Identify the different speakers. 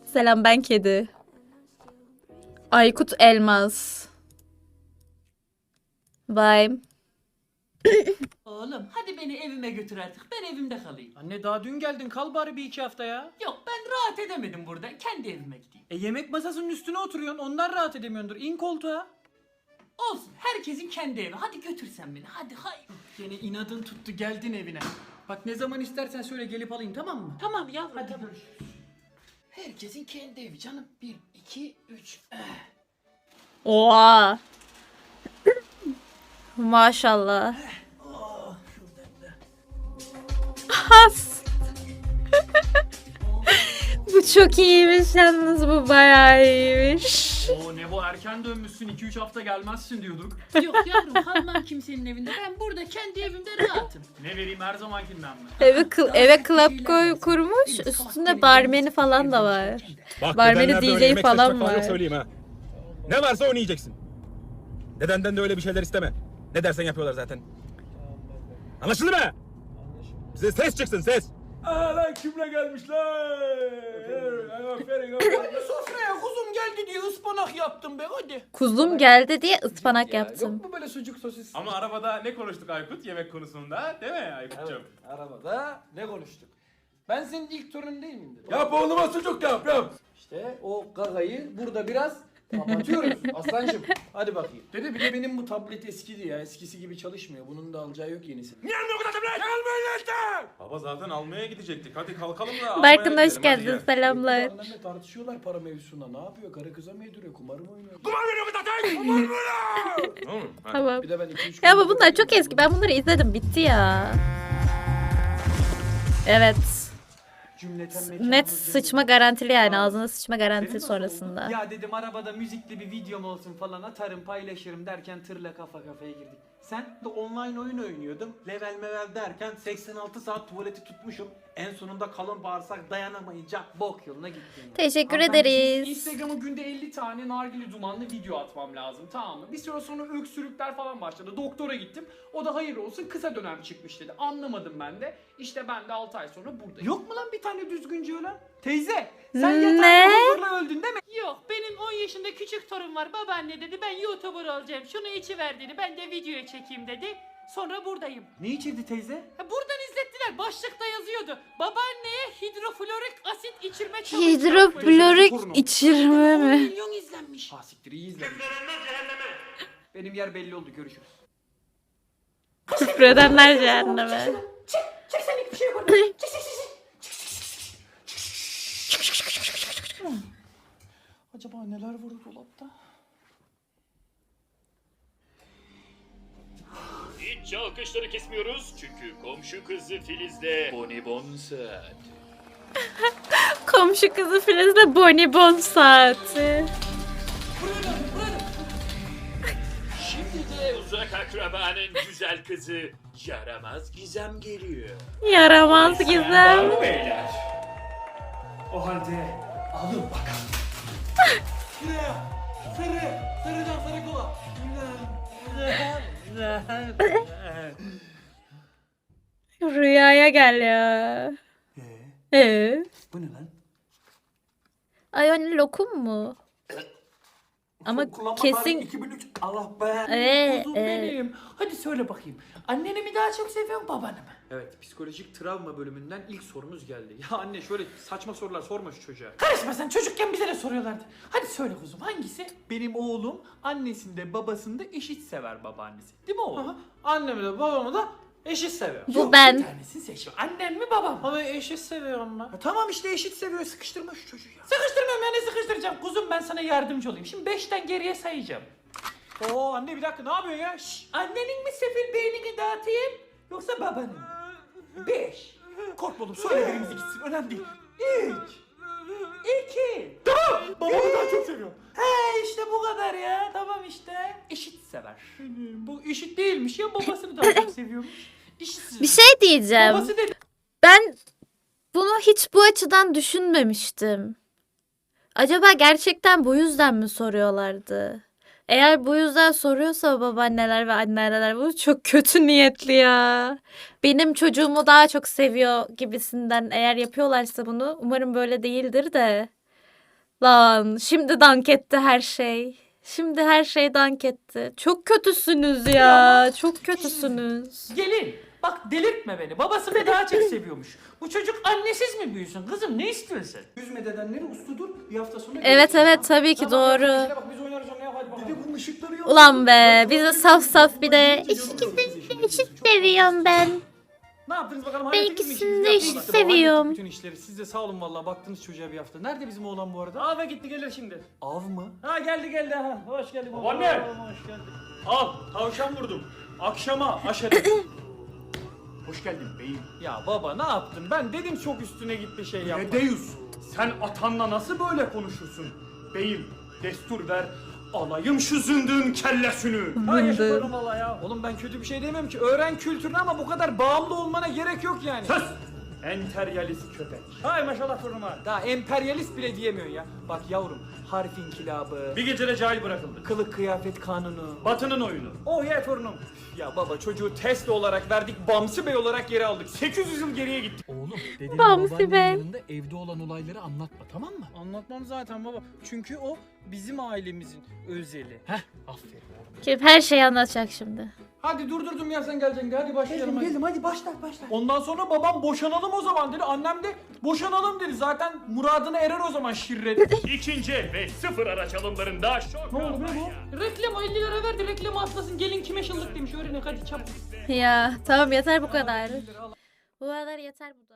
Speaker 1: Selam, ben kedi. Aykut Elmas. Vay.
Speaker 2: Oğlum hadi beni evime götür artık. Ben evimde kalayım.
Speaker 3: Anne daha dün geldin, kal bari bir iki hafta ya.
Speaker 2: Yok ben rahat edemedim burada. Kendi evime gideyim.
Speaker 3: Yemek masasının üstüne oturuyorsun, ondan rahat edemiyordur. İn koltuğa.
Speaker 2: Olsun herkesin kendi evi. Hadi götür sen beni. Hadi hay.
Speaker 3: Yine inadın tuttu, geldin evine. Bak ne zaman istersen söyle, gelip alayım, tamam mı?
Speaker 2: Tamam yavrum.
Speaker 3: Hadi
Speaker 2: tamam.
Speaker 3: görüşürüz.
Speaker 2: Herkesin kendi evi canım. 1, 2, 3.
Speaker 1: Oha. Maşallah. Has. Bu çok iyiymiş yalnız, bu bayağı iyiymiş.
Speaker 3: Oo ne bu, erken dönmüşsün, 2-3 hafta gelmezsin diyorduk.
Speaker 2: Yok yavrum kalmam kimsenin evinde. Ben burada kendi evimde rahatım.
Speaker 3: Ne vereyim, her zamankinden mi?
Speaker 1: Eve club kurmuş. Üstünde barmeni falan da var.
Speaker 4: Bak
Speaker 1: Barmeni
Speaker 4: dedenden de öyle
Speaker 1: DJ
Speaker 4: yemek
Speaker 1: falan
Speaker 4: seçmek
Speaker 1: var.
Speaker 4: yok, söyleyeyim ha. Ne varsa onu yiyeceksin. Dedenden de öyle bir şeyler isteme. Ne dersen yapıyorlar zaten. Anlaşıldı mı? Bize ses çıksın, ses. Aa lan kimle gelmişler? Aferin aferin.
Speaker 3: Sofraya kuzum geldi diye ıspanak yaptım be, hadi.
Speaker 1: Kuzum geldi diye ıspanak yaptım.
Speaker 3: Yok mu böyle sucuk sosis?
Speaker 5: Ama arabada ne konuştuk Aykut yemek konusunda, değil mi Aykut'cum?
Speaker 3: Evet, arabada ne konuştuk? Ben senin ilk torunun değil miyim dedim.
Speaker 4: Yap oğluma sucuk yap.
Speaker 3: İşte o gagayı burada biraz kapatıyoruz aslancım. Hadi bakayım. Dede bir de benim bu tablet eskidi ya. Eskisi gibi çalışmıyor. Bunun da alacağı yok yenisi.
Speaker 4: Niye almıyor bu kadar tablet? Almayın işte.
Speaker 5: Baba zaten almaya gidecektik. Hadi kalkalım da almaya
Speaker 1: Barkın hoş
Speaker 5: gidelim, hadi
Speaker 1: geldin,
Speaker 5: gel.
Speaker 1: selamlar.
Speaker 3: Annemle tartışıyorlar para mevzusunda. Ne yapıyor? Karı kıza mı yediriyor? Kumar mı oynuyor?
Speaker 4: Kumar veriyor bu zaten. Kumar veriyor.
Speaker 5: Tamam mı? Hadi.
Speaker 1: Tamam.
Speaker 3: Bir de ben 2-3
Speaker 1: Ya ama bunlar çok eski. Ben bunları izledim. Bitti ya. Evet. Net sıçma garantili yani. Ağzına sıçma garantili sonrasında.
Speaker 3: Ya dedim arabada müzikli bir videom olsun falan, atarım paylaşırım derken tırla kafa kafaya girdik. Sen de online oyun oynuyordum. Level mevel derken 86 saat tuvaleti tutmuşum. En sonunda kalın bağırsak dayanamayınca bok yoluna gittim.
Speaker 1: Teşekkür
Speaker 6: Hanımefendi,
Speaker 1: ederiz.
Speaker 6: Instagram'a günde 50 tane nargile dumanlı video atmam lazım, tamam mı? Bir süre sonra öksürükler falan başladı. Doktora gittim. O da hayır olsun kısa dönem çıkmış dedi. Anlamadım ben de. İşte ben de 6 ay sonra buradayım.
Speaker 3: Yok mu lan bir tane düzgünce ölen? Teyze sen
Speaker 1: Ne?
Speaker 3: yatağında huzurla öldün değil mi?
Speaker 2: Yok benim 10 yaşında küçük torun var. Babaanne dedi ben YouTuber olacağım. Şunu içiver dedi. Ben de videoya çekeyim dedi. Sonra buradayım.
Speaker 3: Ne içirdi teyze?
Speaker 2: Ha, buradan izlettiler. Başlıkta yazıyordu. Babaanneye hidroflorik asit içirme challenge
Speaker 1: Hidroflorik
Speaker 3: Torunum.
Speaker 1: içirme
Speaker 2: 10
Speaker 1: mi?
Speaker 2: milyon izlenmiş.
Speaker 3: Ha siktir, iyi izlemiş. Benim yer belli oldu, görüşürüz.
Speaker 1: Küfredenler cehenneme.
Speaker 2: Çek senlik bir şey yok.
Speaker 3: Acaba neler var o dolapta?
Speaker 7: Hiç alkışları kesmiyoruz çünkü komşu kızı Filiz'le bonibon saat.
Speaker 1: Komşu kızı Filiz'le bonibon saati.
Speaker 7: Şimdi de uzak akrabanın güzel kızı Yaramaz Gizem geliyor.
Speaker 1: Yaramaz Gizem.
Speaker 7: Beyler.
Speaker 3: O halde alın bakalım. Şuraya. Sarıdan sarı kola.
Speaker 1: Rüyaya gel ya.
Speaker 3: Bu ne lan?
Speaker 1: Ay anne, lokum mu? Ama kesin
Speaker 3: 2003 Allah be.
Speaker 2: Kuzum benim. Hadi söyle bakayım. Anneni mi daha çok seviyorsun babanı mı?
Speaker 3: Evet, psikolojik travma bölümünden ilk sorumuz geldi. Ya anne şöyle saçma sorular sorma şu çocuğa.
Speaker 2: Karışma sen çocukken bize de soruyorlardı. Hadi söyle kuzum hangisi?
Speaker 6: Benim oğlum annesinde babasında eşit sever babaannesi. Değil mi oğlum?
Speaker 3: Aha, annemi de babamı da eşit seviyor.
Speaker 1: bu
Speaker 2: Bir
Speaker 1: ben.
Speaker 2: tanesini seç. Annen mi babam mı?
Speaker 3: Ama eşit seviyorum ben.
Speaker 6: Tamam işte eşit seviyor, sıkıştırma şu çocuğu ya.
Speaker 2: Sıkıştırmıyorum ya ne sıkıştıracağım. Kuzum ben sana yardımcı olayım. Şimdi 5'ten geriye sayacağım.
Speaker 3: Oo anne bir dakika, ne yapıyorsun ya? Şşş.
Speaker 2: Annenin mi sefil beynini dağıtayım yoksa babanın mı? 5.
Speaker 3: Korkma oğlum, söyle birimizi gitsin, önemli değil.
Speaker 2: 3. 2.
Speaker 3: Babamı daha çok seviyorum.
Speaker 2: He işte bu kadar ya. Tamam işte. Eşit sever. Bu eşit değilmiş ya babasını daha çok seviyormuş. Eşit
Speaker 1: Bir şey diyeceğim.
Speaker 2: Babası dedi.
Speaker 1: Ben bunu hiç bu açıdan düşünmemiştim. Acaba gerçekten bu yüzden mi soruyorlardı? Eğer bu yüzden soruyorsa babaanneler ve anneanneler, bu çok kötü niyetli ya. Benim çocuğumu daha çok seviyor gibisinden eğer yapıyorlarsa bunu, umarım böyle değildir de. Lan şimdi dank etti her şey. Şimdi her şey dank etti. Çok kötüsünüz ya. Çok kötüsünüz.
Speaker 2: Gelin. Bak delirtme beni. Babasını daha çok seviyormuş. Bu çocuk annesiz mi büyüsün? Kızım ne istiyorsun sen?
Speaker 3: Üzme dedenleri usludur. Bir hafta sonra
Speaker 1: Evet evet tabii ki doğru.
Speaker 3: bak biz oynarız oynaya hadi bakalım. Bir de bu ışıkları yok.
Speaker 1: Ulan be bize saf saf bir de ikisini de eşit seviyorum ben.
Speaker 3: Ne yaptınız bakalım?
Speaker 1: Ben
Speaker 3: hallettiniz mi
Speaker 1: ikisini
Speaker 3: işinizi?
Speaker 1: de
Speaker 3: Yaptınız
Speaker 1: eşit
Speaker 3: mı? Hallettik
Speaker 1: seviyorum.
Speaker 3: bütün işleri. Siz de sağ olun vallahi baktınız çocuğa bir hafta. Nerede bizim oğlan bu arada?
Speaker 2: Ava gitti gelir şimdi.
Speaker 3: Av mı?
Speaker 2: Ha geldi ha. Hoş geldin.
Speaker 5: Babaanne!
Speaker 2: Hoş geldin.
Speaker 5: Al tavşan vurdum. Akşama aşerim.
Speaker 3: Hoş geldin beyim.
Speaker 2: Ya baba ne yaptın? Ben dedim çok üstüne gitti şey yapma.
Speaker 5: Dedeus, sen atanla nasıl böyle konuşursun? Beyim, destur ver, alayım şu zındığın kellesini.
Speaker 2: Ha yaşatalım valla ya. Oğlum ben kötü bir şey demiyorum ki. Öğren kültürünü ama bu kadar bağımlı olmana gerek yok yani.
Speaker 5: Sus! Enteryalist köpek.
Speaker 2: Hay maşallah torunuma. Daha emperyalist bile diyemiyorsun ya. Bak yavrum harf inkılabı,
Speaker 5: Bir gecede cahil bırakıldı.
Speaker 2: kılık kıyafet kanunu.
Speaker 5: Batı'nın oyunu.
Speaker 2: Oh ya torunum. Ya baba çocuğu Tesla olarak verdik, Bamsı Bey olarak geri aldık. 800 yıl geriye gittik.
Speaker 3: Oğlum dedenin
Speaker 1: Bamsı
Speaker 3: babaannenin
Speaker 1: Bey.
Speaker 3: yanında evde olan olayları anlatma tamam mı?
Speaker 2: Anlatmam zaten baba. Çünkü o bizim ailemizin özeli.
Speaker 3: Heh aferin oğlum.
Speaker 1: Kim her şeyi anlatacak şimdi.
Speaker 2: Hadi durdurdum ya sen geleceksin de hadi başlayalım.
Speaker 3: Geldim hadi başla.
Speaker 2: Ondan sonra babam boşanalım o zaman dedi. Annem de boşanalım dedi. Zaten muradına erer o zaman şirret.
Speaker 7: İkinci el ve sıfır araç alımlarında şok
Speaker 2: Ne oldu be
Speaker 7: kampanya.
Speaker 2: bu? Reklam 50 lira verdi. Reklamı atlasın. Gelin kime şıllık demiş. Öğrenin hadi çabuk.
Speaker 1: Ya tamam yeter bu kadar. Bu kadar yeter bu.